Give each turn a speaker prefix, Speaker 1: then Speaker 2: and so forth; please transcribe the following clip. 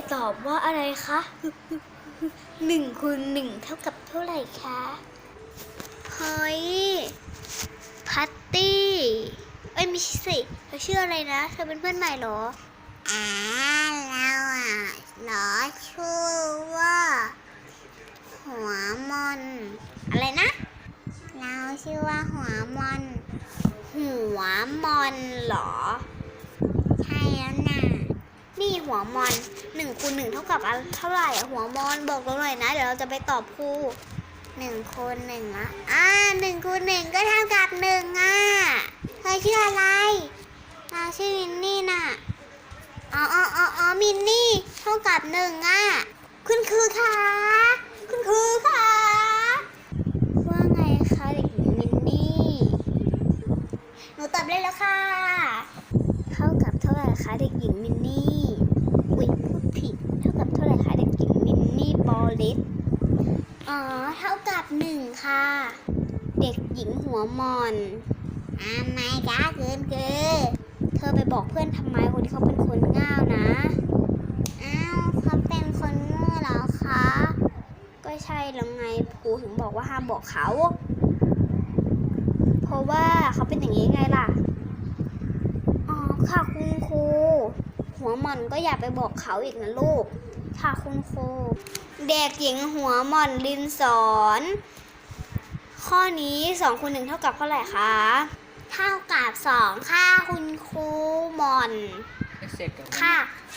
Speaker 1: ตอบว่าอะไรคะ1 คูณ 1เท่ากับเท่าไหร่คะเฮ้ยพัตตี้เอ้ยไม่ใช่สิเธอชื่ออะไรนะเธอเป็นเพื่อนใหม่เหรอเราเหรอชื่อว่าหัวมอนอะไรนะเราชื่อว่าหัวมอนเหรอใช่แล้วนะนี่หัวมอน1 คูณ 1เท่ากับเท่าไหร่หัวมอนบอกเราหน่อยนะเดี๋ยวเราจะไปตอบครู1 คูณ 1อะ1 คูณ 1ก็เท่ากับ1เธอชื่ออะไรเราชื่อมินนี่น่ะอ๋อมินนี่เท่ากับคุณครูคะว่าไงคะเด็กหญิงมินนี่หนูตอบได้แล้วค่ะเท่ากับเท่าไหร่คะเด็กหญิงมินนี่อุ๊ยพูดผิดเท่ากับเท่าไหร่คะเด็กหญิงมินนี่บอลลิสเท่ากับ1ค่ะเด็กหญิงหัวมอนไม่กล้าเกินเธอไปบอกเพื่อนทำไมคนที่เขาเป็นคนง่าวนะเขาเป็นคนโง่เหรอคะก็ใช่แล้วไงครูถึงบอกว่าห้ามบอกเขาเพราะว่าเขาเป็นอย่างนี้ไงล่ะค่ะคุณครูหัวหม่อนก็อย่าไปบอกเขาอีกนะลูกค่ะคุณครูเด็กหญิงหัวหม่อนลินสอนข้อนี้2 คูณ 1เท่ากับเท่าไหร่คะเท่ากับ2ค่ะคุณครูหม่อนค่ะ